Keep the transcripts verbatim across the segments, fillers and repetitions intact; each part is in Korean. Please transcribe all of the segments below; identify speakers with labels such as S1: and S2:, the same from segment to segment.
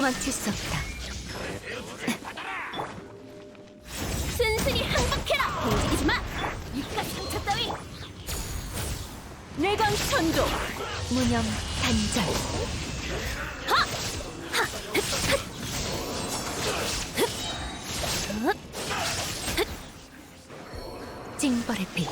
S1: 도망칠 수 없다.
S2: 순순히 항복해라! 움직이지 마! 입가 상처 따위! 내강 천도!
S1: 무념 단절.
S2: 하! 하! 흑! 흑! 흑!
S1: 징벌의 빛.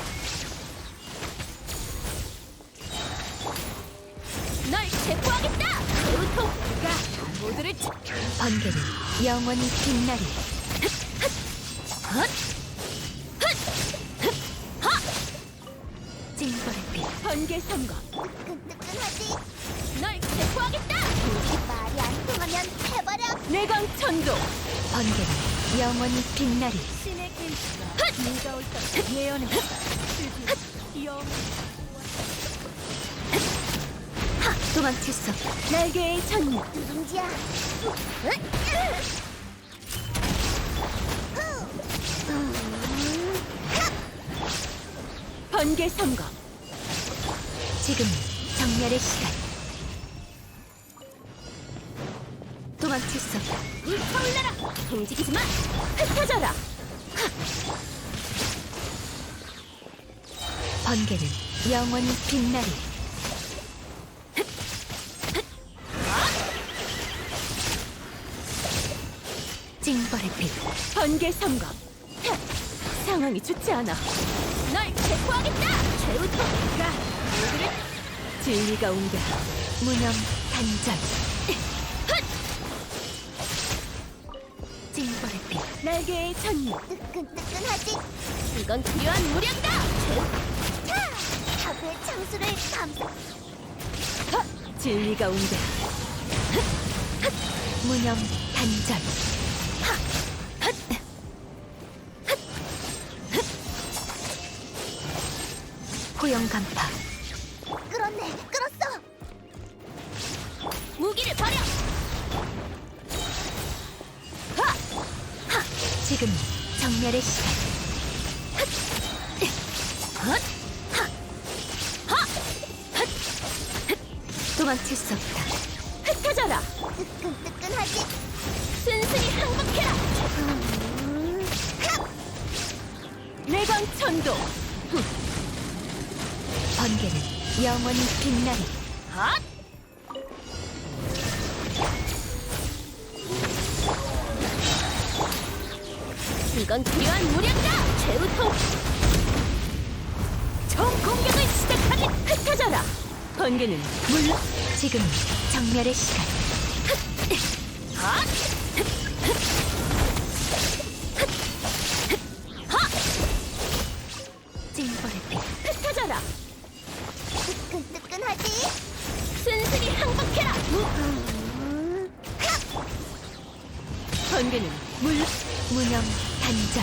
S2: 널 체포하겠다! 배우통! 그가 모두를 치...
S1: 번개는 영원히 빛나리.
S2: 헛! 헛! 흑! 하!
S1: 징벌의 빛.
S2: 번개 선거!
S3: 뜨끈뜨끈하지?
S2: 널 체포하겠다!
S3: 말이 안 통하면 해버려.
S2: 내강 천도!
S1: 번개는 영원히 빛나리.
S2: 신의 김치가 네가 옳다 예언했다. 영
S1: 도망칠 수 없다.
S2: 날개의 천무
S3: 누룽지야.
S2: 번개 선거!
S1: 지금 정멸의 시간. 도망칠 수 없다.
S2: 불타올라라! 움직이지 마! 흩어져라!
S1: 번개는 영원히 빛나리. 징벌의 빛.
S2: 번개 선거! 하! 상황이 좋지 않아. 널 체포하겠다! 최우통가 모두를 진리가 온다.
S1: 무념 단절. 징벌의 빛.
S2: 날개의 천무
S3: 뜨끈뜨끈하지?
S2: 이건 필요한 무력이다!
S3: 자, 사부의 창수를 감싸.
S2: 하! 진리가 온다.
S1: 무념 단절. 호영 간파.
S3: 끌었네, 끌었어.
S2: 무기를 버려! 하!
S1: 지금 정멸의 시간.
S2: 헛!
S1: 도망칠 수 없다.
S2: 흩어져라!
S3: 뜨끈뜨끈하지?
S2: 순순히 항복해라!
S3: 음,
S2: 내강 천도!
S1: 번개는 영원히 빛나리.
S2: 핫! 이건 필요한 무력이다! 최우통! 총 공격을 시작하니 흩어져라! 번개는 물러!
S1: 지금 정멸의 시간.
S2: 핫!
S1: 징벌의 빛.
S2: 흩어져라!
S3: 뜨끈뜨끈하지?
S2: 순순히 항복해라!
S3: 음,
S2: 번개는 물러!
S1: 무념 단절.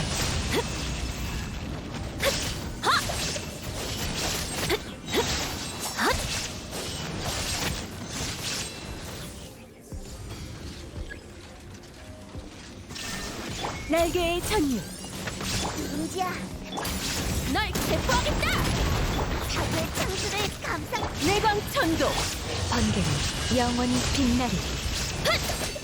S2: 날개의 천유
S3: 누룽지야.
S2: 널 체포하겠다!
S3: 사부의 창수를 감싸.
S2: 내광 천도!
S1: 번개는 영원히 빛나리.
S2: 헛!